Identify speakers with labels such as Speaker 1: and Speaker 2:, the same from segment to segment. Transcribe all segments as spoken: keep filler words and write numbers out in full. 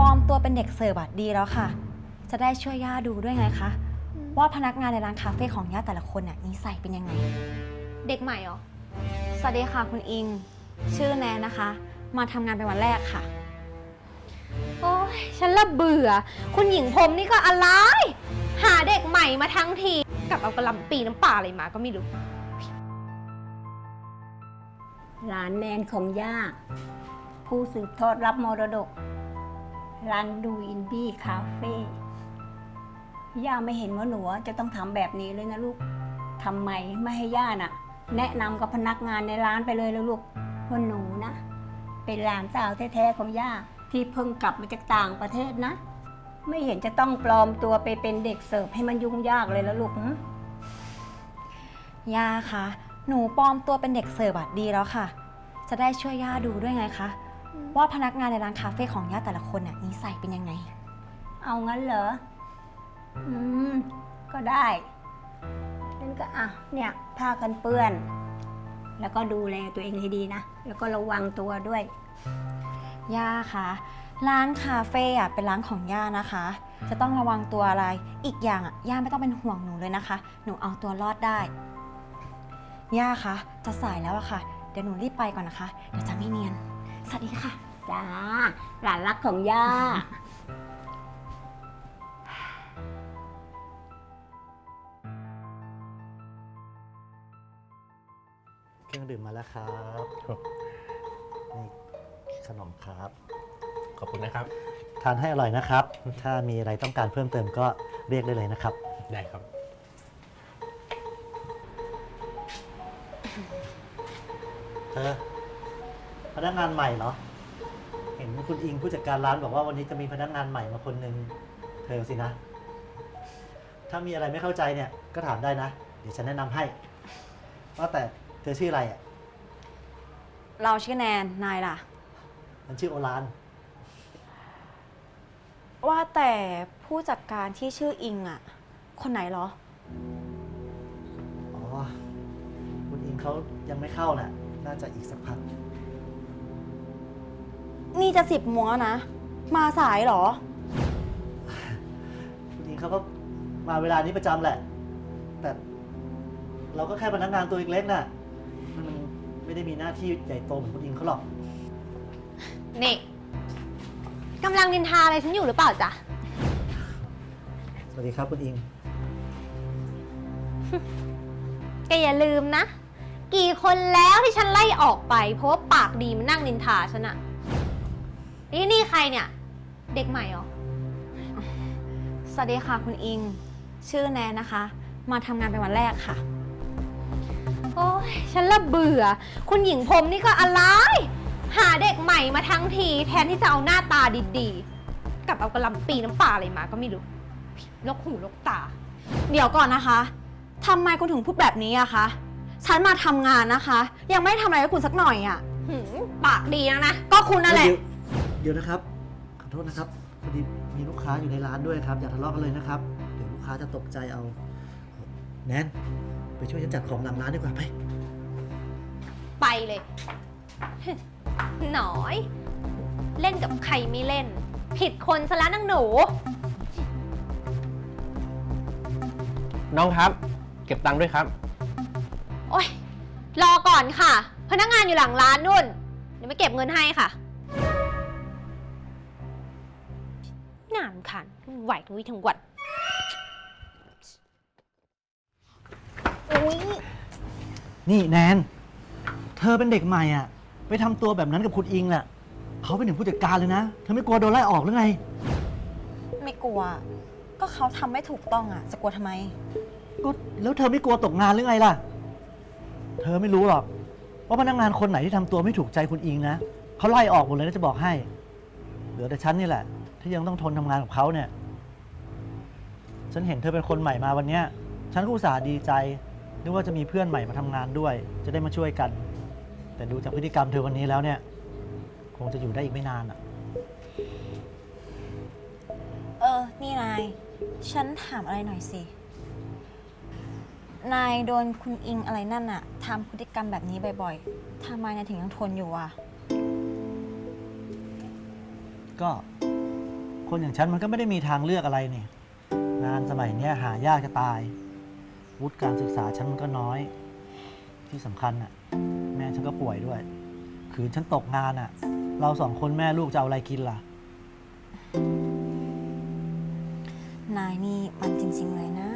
Speaker 1: อมตัวเป็นเด็กเสิร์ฟอะดีแล้วค่ะจะได้ช่วยย่าดูด้วยไงคะว่าพนักงานในร้านคาเฟ่ของย่าแต่ละคนน่ะนิสัยเป็นยังไง
Speaker 2: เด็กใหม่เหรอ
Speaker 1: สวัสดีค่ะคุณอิงชื่อแนนนะคะมาทำงานเป็นวันแรกค่ะ
Speaker 2: โอ้ยฉันละเบื่อคุณหญิงพรมนี่ก็อะไรหาเด็กใหม่มาทั้งทีกับเอากระหล่ำปีน้ำปลาอะไรมาก็ไม่รู้
Speaker 3: ร้านแนนของย่าผู้สืบทอดรับมรดกร้านดูอินดี้คาเฟ่ย่าไม่เห็นว่าหนูจะต้องทำแบบนี้เลยนะลูกทำไมไม่ให้ย่าน่ะแนะนำกับพนักงานในร้านไปเลยแล้วลูกว่าหนูนะเป็นหลานสาวแท้ๆของย่าที่เพิ่งกลับมาจากต่างประเทศนะไม่เห็นจะต้องปลอมตัวไปเป็นเด็กเสิร์ฟให้มันยุ่งยากเลยแล้วลูก
Speaker 1: ย่าคะหนูปลอมตัวเป็นเด็กเสิร์ฟอะดีแล้วค่ะจะได้ช่วยย่าดูด้วยไงคะว่าพนักงานในร้านคาเฟ่ของย่าแต่ละคนน่ะนิสัยเป็นยังไง
Speaker 3: เอางั้นเหรออืมก็ได้งั้นก็อ่ะเนี่ยผ้ากันเปื้อนแล้วก็ดูแลตัวเองให้ดีนะแล้วก็ระวังตัวด้วย
Speaker 1: ย่าคะร้านคาเฟ่อะเป็นร้านของย่านะคะจะต้องระวังตัวอะไรอีกอย่างอะย่าไม่ต้องเป็นห่วงหนูเลยนะคะหนูเอาตัวรอดได้ย่าคะจะสายแล้วอะค่ะเดี๋ยวหนูรีบไปก่อนนะคะเดี๋ยวจะไม่เนียนสวัสดีค่ะ
Speaker 3: จ้าหลานรักของย่า
Speaker 4: เครื่องดื่มมาแล้วครับนี่ขนมครับ
Speaker 5: ขอบคุณนะครับ
Speaker 4: ทานให้อร่อยนะครับถ้ามีอะไรต้องการเพิ่มเติมก็เรียกได้เลยนะครับ
Speaker 5: ได้ครับ
Speaker 4: เธอพนักงานใหม่เหรอเห็นคุณอิงผู้จัดการร้านบอกว่าวันนี้จะมีพนักงานใหม่มาคนหนึ่งเธอสินะถ้ามีอะไรไม่เข้าใจเนี่ยก็ถามได้นะเดี๋ยวฉันแนะนำให้ว่าแต่เธอชื่ออะไรอ่ะ
Speaker 1: เราชื่อแนนนายล่ะ
Speaker 4: มันชื่อโอราน
Speaker 1: ว่าแต่ผู้จัดการที่ชื่ออิงอ่ะคนไหนเหรอ
Speaker 4: อ๋อคุณอิงเขายังไม่เข้าน่ะน่าจะอีกสักพัก
Speaker 1: นี่จะสิบโมงแล้วนะมาสายเหรอ
Speaker 4: คุณอิงเขาก็มาเวลานี้ประจำแหละแต่เราก็แค่พนักงานตัวเล็กๆน่ะมันไม่ได้มีหน้าที่ใหญ่โตเหมือนคุณอิงเขาหรอก
Speaker 2: นี่กำลังนินทาอะไรฉันอยู่หรือเปล่าจ๊ะ
Speaker 4: สวัสดีครับคุณอิง
Speaker 2: แกอย่าลืมนะกี่คนแล้วที่ฉันไล่ออกไปเพราะว่าปากดีมันนั่งนินทาฉันอะนี่นี่ใครเนี่ยเด็กใหม่เหรอ
Speaker 1: สวัสดีค่ะคุณอิงชื่อแนนนะคะมาทำงานเป็นวันแรกค่ะ
Speaker 2: โอ้ยฉันละเบื่อคุณหญิงพรมนี่ก็อะไรหาเด็กใหม่มาทั้งทีแทนที่จะเอาหน้าตาดีๆกับเอากระหล่ำปีน้ำปลาอะไรมาก็ไม่รู้ลกหูลกตา
Speaker 1: เดี๋ยวก่อนนะคะทำไมคุณถึงพูดแบบนี้อะคะฉันมาทำงานนะคะยังไม่ได้ทำอะไรให้คุณสักหน่อยอะ
Speaker 2: ปากดีนะนะ
Speaker 1: ก็คุณนั่นแหละ
Speaker 4: เดี๋ยวนะครับขอโทษนะครับพอดีมีลูกค้าอยู่ในร้านด้วยครับอย่าทะเลาะกันเลยนะครับเดี๋ยวลูกค้าจะตกใจเอาแนนไปช่วยฉันจัดของหลังร้านดีกว่าไป
Speaker 2: ไปเลยหน่อยเล่นกับใครไม่เล่นผิดคนซะแล้วนางหนู
Speaker 5: น้องครับเก็บตังค์ด้วยครับ
Speaker 2: โอ๊ยรอก่อนค่ะพนักงานอยู่หลังร้านนู่นเดี๋ยวไม่เก็บเงินให้ค่ะน่ารำคาญไหวทั้งวี่ทั้งวัน
Speaker 4: อุ๊ยนี่แนนเธอเป็นเด็กใหม่อ่ะไปทำตัวแบบนั้นกับคุณอิงน่ะเขาเป็นถึงผู้จัดการเลยนะเธอไม่กลัวโดนไล่ออกหรือไง
Speaker 1: ไม่กลัวก็เขาทำไม่ถูกต้องอ่ะจะกลัวทำไม
Speaker 4: ก็แล้วเธอไม่กลัวตกงานหรือไงล่ะเธอไม่รู้หรอกว่าพนักงานคนไหนที่ทำตัวไม่ถูกใจคุณอิงนะเขาไล่ออกหมดเลยนะจะบอกให้เหลือแต่ฉันนี่แหละที่ยังต้องทนทำงานกับเขาเนี่ยฉันเห็นเธอเป็นคนใหม่มาวันนี้ฉันก็อุตส่าห์ดีใจนึกว่าจะมีเพื่อนใหม่มาทำงานด้วยจะได้มาช่วยกันแต่ดูจากพฤติกรรมเธอวันนี้แล้วเนี่ยคงจะอยู่ได้อีกไม่นานอ่ะ
Speaker 1: เออนี่นายฉันถามอะไรหน่อยสินายโดนคุณอิงอะไรนั่นอะทำพฤติกรรมแบบนี้บ่อยๆทำไมนายถึงยังทนอยู่อะ
Speaker 4: ก็คนอย่างฉันมันก็ไม่ได้มีทางเลือกอะไรนี่งานสมัยเนี้ยหายากจะตาย วุฒิการศึกษาฉันมันก็น้อย ที่สำคัญน่ะ แม่ฉันก็ป่วยด้วย คืนฉันตกงานอ่ะ เราสองคนแม่ลูกจะเอาอะไรกินล่ะ
Speaker 1: นายนี่มันจริง ๆ เลยนะ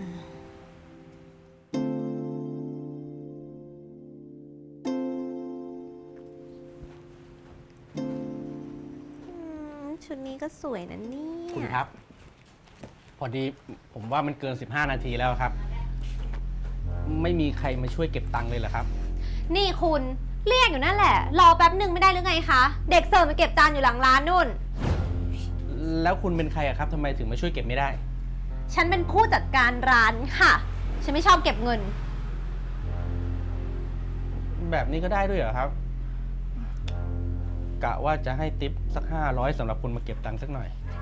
Speaker 2: ชุดนี้ก็สวยนะเนี่
Speaker 5: คุณ
Speaker 2: ย
Speaker 5: ครับ พอดีผมว่ามันเกิน สิบห้า นาทีแล้วครับ ไม่มีใครมาช่วยเก็บตังค์เลยเหรอครับ
Speaker 2: นี่คุณเรียกอยู่นั่นแหละ รอแป๊บหนึ่งไม่ได้หรือไงคะ เด็กเสิร์ฟมาเก็บจานอยู่หลังร้านนู่น
Speaker 5: แล้วคุณเป็นใครอะครับทำไมถึงมาช่วยเก็บไม่ได้
Speaker 2: ฉันเป็นผู้จัดการร้านค่ะ ฉันไม่ชอบเก็บเงิน
Speaker 5: แบบนี้ก็ได้ด้วยเหรอครับ กะว่าจะให้ติปสักห้าร้อยสำหรับคุณมาเก็บตังค์สักหน่อย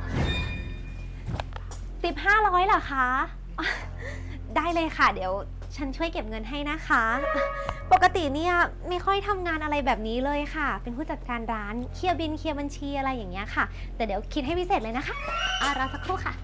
Speaker 2: ติปห้าร้อยเหรอคะ ได้เลยค่ะ เดี๋ยวฉันช่วยเก็บเงินให้นะคะ ปกติเนี่ยไม่ค่อยทำงานอะไรแบบนี้เลยค่ะ เป็นผู้จัดการร้านเคลียร์บินเคลียร์บัญชีอะไรอย่างเงี้ยค่ะ แต่เดี๋ยวคิดให้พิเศษเลยนะคะอารอสักครู่ค่ะ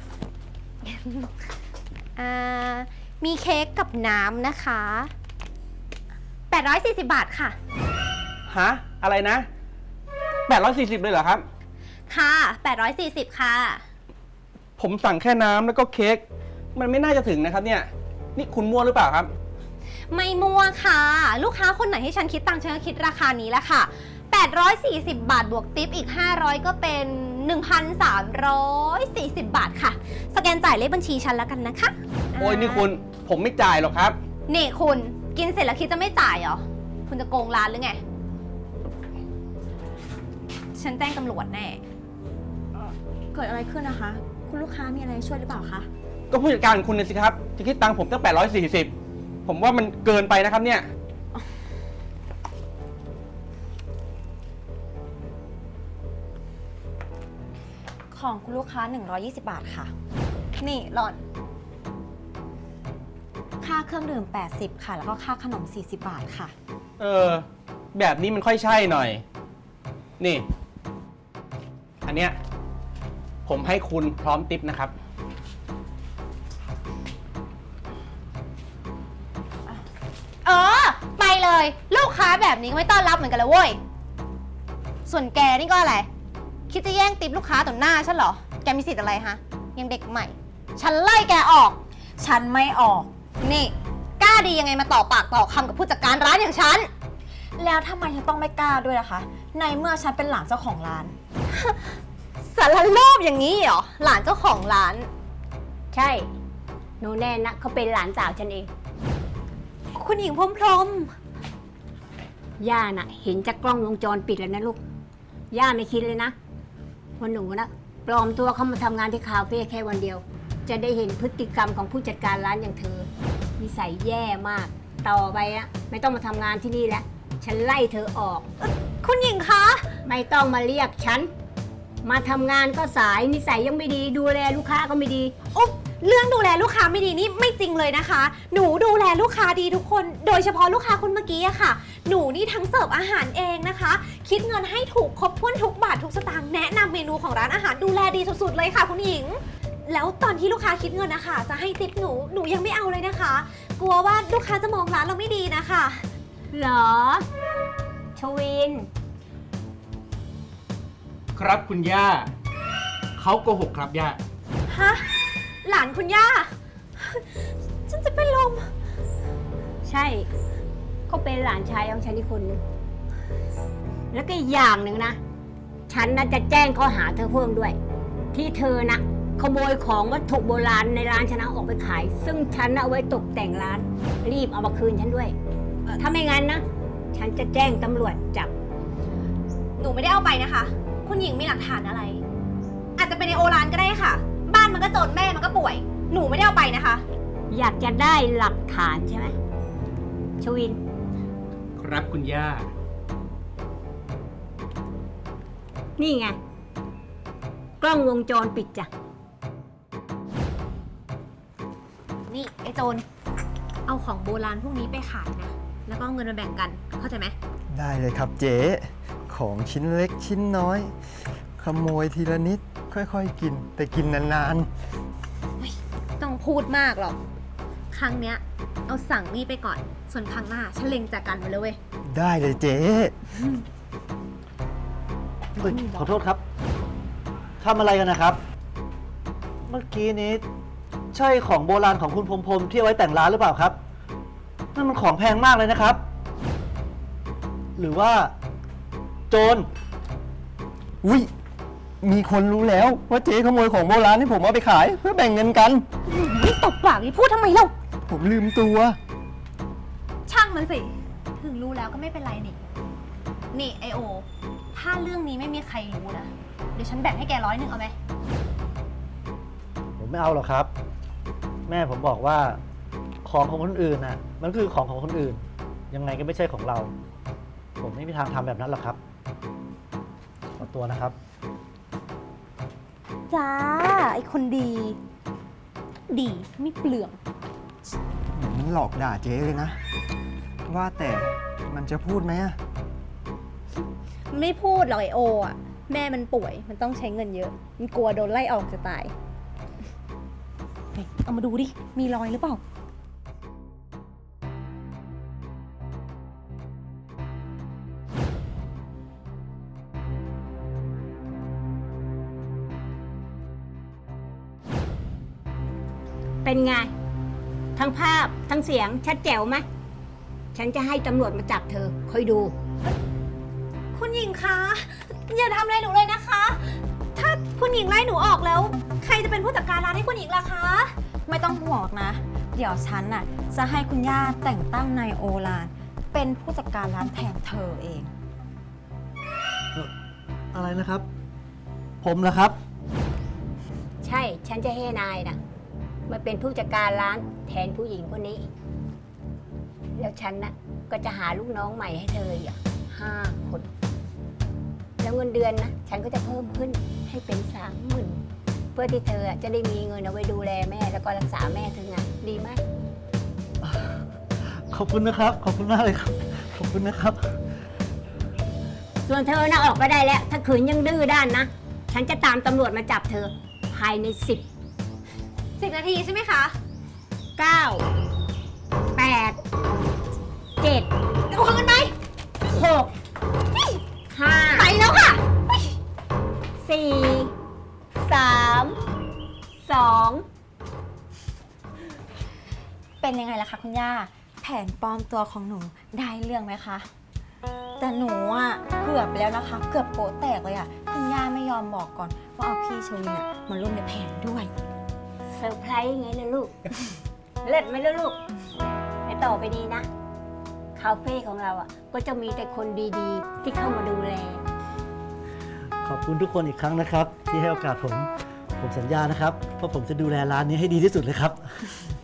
Speaker 2: อ่ามีเค้กกับน้ำนะคะแปดร้อยสี่สิบบาทค่ะ
Speaker 5: ฮะ อะไรนะแปดร้อยสี่สิบเลยเหรอครับ
Speaker 2: ค่ะแปดร้อยสี่สิบค่ะ
Speaker 5: ผมสั่งแค่น้ำแล้วก็เค้ก มันไม่น่าจะถึงนะครับเนี่ย นี่คุณมั่วหรือเปล่าครับ
Speaker 2: ไม่มั่วค่ะ ลูกค้าคนไหนให้ฉันคิดตังค์ฉันก็คิดราคานี้แหละค่ะแปดร้อยสี่สิบบาทบวกติปอีกห้าร้อยก็เป็น หนึ่งพันสามร้อยสี่สิบ บาทค่ะ สแกนจ่ายเลขบัญชีฉันแล้วกันนะคะ
Speaker 5: โอ้ยนี่คุณ ผมไม่จ่ายหรอกครับ
Speaker 2: นี่คุณกินเสร็จแล้วคิดจะไม่จ่ายเหรอ คุณจะโกงร้านหรือไง ฉันแจ้งตำรวจแน่
Speaker 1: เกิดอะไรขึ้นนะคะ คุณลูกค้ามีอะไรช่วยหรือเปล่าคะ
Speaker 5: ก็ผู้จัดการของคุณน่ะสิครับจะคิดตังค์ผมตั้งแปดร้อยสี่สิบ ผมว่ามันเกินไปนะครับเนี่ย
Speaker 1: ของคุณลูกค้า หนึ่งร้อยยี่สิบ บาทค่ะ
Speaker 2: นี่หล่อน
Speaker 1: ค่าเครื่องดื่ม แปดสิบ ค่ะ แล้วก็ค่าขนม สี่สิบ บาทค่ะ
Speaker 5: เออ แบบนี้มันค่อยใช่หน่อย นี่ อันเนี้ยผมให้คุณพร้อมติปนะครับ
Speaker 2: เออ ไปเลย ลูกค้าแบบนี้ก็ไม่ต้อนรับเหมือนกันเลยเว้ย ส่วนแกนี่ก็อะไร คิดจะแย่งติปลูกค้าต่อหน้าฉันเหรอ แกมีสิทธิ์อะไรฮะ ยังเด็กใหม่ ฉันไล่แกออก
Speaker 1: ฉันไม่ออก
Speaker 2: นี่ กล้าดียังไงมาต่อปากต่อคำกับผู้จัดการร้านอย่างฉัน
Speaker 1: แล้วทำไมฉันต้องไม่กล้าด้วยล่ะคะ ในเมื่อฉันเป็นหลานเจ้าของร้าน
Speaker 2: สารโลภอย่างนี้เหรอ หลานเจ้าของร้าน
Speaker 3: ใช่ หนูแน่นะเขาเป็นหลานสาวฉันเอง
Speaker 2: คุณหญิงพรหมพรหม
Speaker 3: ย่าน่ะ เห็นจากกล้องวงจรปิดแล้วนะลูก ย่าไม่คิดเลยนะว่าหนูนะปลอมตัวเข้ามาทำงานที่คาเฟ่แค่วันเดียว จะได้เห็นพฤติกรรมของผู้จัดการร้านอย่างเธอนิสัยแย่มาก ต่อไปนะไม่ต้องมาทำงานที่นี่แล้ว ฉันไล่เธอออก
Speaker 2: คุณหญิงคะ
Speaker 3: ไม่ต้องมาเรียกฉัน มาทำงานก็สายนิสัยยังไม่ดี ดูแลลูกค้าก็ไม่ดี
Speaker 2: อุ๊บเรื่องดูแลลูกค้าไม่ดีนี่ไม่จริงเลยนะคะ หนูดูแลลูกค้าดีทุกคน โดยเฉพาะลูกค้าคนเมื่อกี้อะค่ะ หนูนี่ทั้งเสิร์ฟอาหารเองนะคะ คิดเงินให้ถูกครบถ้วนทุกบาททุกสตางค์แนะนำเมนูของร้านอาหารดูแลดีสุดๆเลยค่ะคุณหญิง แล้วตอนที่ลูกค้าคิดเงินนะคะจะให้ติปหนูหนูยังไม่เอาเลยนะคะ กลัวว่าลูกค้าจะมองร้านเราไม่ดีนะคะ
Speaker 3: เหรอ ชวิน
Speaker 5: ครับคุณย่า เขาโกหกครับย่า
Speaker 2: ฮะ หลานคุณย่า ฉันจะเป็นลม
Speaker 3: ใช่ก็เป็นหลานชายของฉันอีกคนนึงแล้วก็อีกอย่างหนึ่งนะ ฉันน่ะจะแจ้งข้อหาเธอเพิ่มด้วย ที่เธอนะขโมยของวัตถุโบราณในร้านฉันเอาออกไปขาย ซึ่งฉันน่ะเอาไว้ตกแต่งร้าน รีบเอามาคืนฉันด้วย ถ้าไม่งั้นนะ ฉันจะแจ้งตำรวจจับ
Speaker 2: หนูไม่ได้เอาไปนะคะ คุณหญิงมีหลักฐานอะไร อาจจะเป็นในโอรานก็ได้ค่ะ บ้านมันก็จนแม่มันก็ป่วย หนูไม่ได้เอาไปนะคะ
Speaker 3: อยากจะได้หลักฐานใช่ไหมชวิน
Speaker 5: ครับคุณย่า
Speaker 3: นี่ไง กล้องวงจรปิดจ้ะ
Speaker 2: นี่ไอ้โจร เอาของโบราณพวกนี้ไปขายนะ แล้วก็เอาเงินมาแบ่งกัน เข้าใจไหม
Speaker 6: ได้เลยครับเจ๊ของชิ้นเล็กชิ้นน้อย ขโมยทีละนิดค่อยๆกิน แต่กินนาน
Speaker 2: ต้องพูดมากหรอก ครั้งเนี้ย เอาสั่งนี่ไปก่อน ส่วนครั้งหน้าฉันเล็งจากกันมาเลยเว้ย
Speaker 6: ๆ ได้เลยเจ๊
Speaker 4: เอ้ยขอโทษครับทำอะไรกันนะครับ เมื่อกี้นี้ ใช่ของโบราณของคุณพรหมพรหมที่เอาไว้แต่งร้านหรือเปล่าครับนั่นมันของแพงมากเลยนะครับ หรือว่า โจร
Speaker 6: อุ้ยมีคนรู้แล้วว่าเจ๊ขโมยของโบราณที่ผมเอาไปขาย เพื่อแบ่งเงินกัน
Speaker 2: นี่ตบปากนี่พูดทำไมเล่า
Speaker 6: ผมลืมตัว
Speaker 2: ช่างมันสิ ถึงรู้แล้วก็ไม่เป็นไรนี่ นี่ไอโอ ถ้าเรื่องนี้ไม่มีใครรู้นะ เดี๋ยวฉันแบ่งให้แกร้อยหนึ่งเอาไหม
Speaker 4: ผมไม่เอาหรอกครับ แม่ผมบอกว่า ของของคนอื่นน่ะ มันคือของของคนอื่น ยังไงก็ไม่ใช่ของเรา ผมไม่มีทางทำแบบนั้นหรอกครับ ขอตัวนะครับ
Speaker 2: จ้า ไอคนดี ดีไม่เปลือง
Speaker 6: มันหลอกด่าเจ๊เลยนะ ว่าแต่มันจะพูดไหมอะ
Speaker 2: มันไม่พูดหรอกไอโออ่ะ แม่มันป่วย มันต้องใช้เงินเยอะ มันกลัวโดนไล่ออกจะตายเฮ้ยเอามาดูดิ มีรอยหรือเปล่า
Speaker 3: เป็นไง ทั้งภาพทั้งเสียงชัดแจ๋วไหมฉันจะให้ตำรวจมาจับเธอคอยดู
Speaker 2: คุณหญิงคะ อย่าทำอะไรหนูเลยนะคะ ถ้าคุณหญิงไล่หนูออกแล้ว ใครจะเป็นผู้จัดการร้านให้คุณหญิงล่ะคะ
Speaker 1: ไม่ต้องห่วงหรอกนะ เดี๋ยวฉันน่ะจะให้คุณย่าแต่งตั้งนายโอลาน เป็นผู้จัดการร้านแทนเธอเอง
Speaker 4: อะไรนะครับ ผมเหรอครับ
Speaker 3: ใช่ฉันจะให้นายนะมาเป็นผู้จัดการร้านแทนผู้หญิงคนนี้ แล้วฉันนะก็จะหาลูกน้องใหม่ให้เธออีกห้าคน แล้วเงินเดือนนะฉันก็จะเพิ่มขึ้นให้เป็นสามหมื่นเพื่อที่เธอจะได้มีเงินเอาไว้ดูแลแม่แล้วก็รักษาแม่เธอไงดีไหม
Speaker 4: ขอบคุณนะครับ ขอบคุณมากเลยครับ ขอบคุณนะครับ
Speaker 3: ส่วนเธอนะออกไปได้แล้ว ถ้าขืนยังดื้อด้านนะ ฉันจะตามตำรวจมาจับเธอ ภายในสิบ
Speaker 2: สิบนาทีใช่ไหมคะ
Speaker 3: เก้าแปดเจ็ด
Speaker 2: เอาคืนไหม
Speaker 3: หกห้า
Speaker 2: ไปแล้วค่ะ
Speaker 3: สี่สามสอง
Speaker 1: เป็นยังไงล่ะคะคุณย่า แผนปลอมตัวของหนูได้เรื่องไหมคะ แต่หนูอ่ะเกือบไปแล้วนะคะ เกือบโป๊ะแตกเลยอ่ะ คุณย่าไม่ยอมบอกก่อนว่าเอาพี่ชวินอ่ะมาร่วมในแผนด้วย
Speaker 3: เซอร์ไพรส์ไงล่ะลูก เลิศไหมล่ะลูกไปต่อไปนี้นะ คาเฟ่ของเราอ่ะ ก็จะมีแต่คนดีๆ ที่เข้ามาดูแล
Speaker 4: ขอบคุณทุกคนอีกครั้งนะครับ ที่ให้โอกาสผม ผมสัญญานะครับว่าผมจะดูแลร้านนี้ให้ดีที่สุดเลยครับ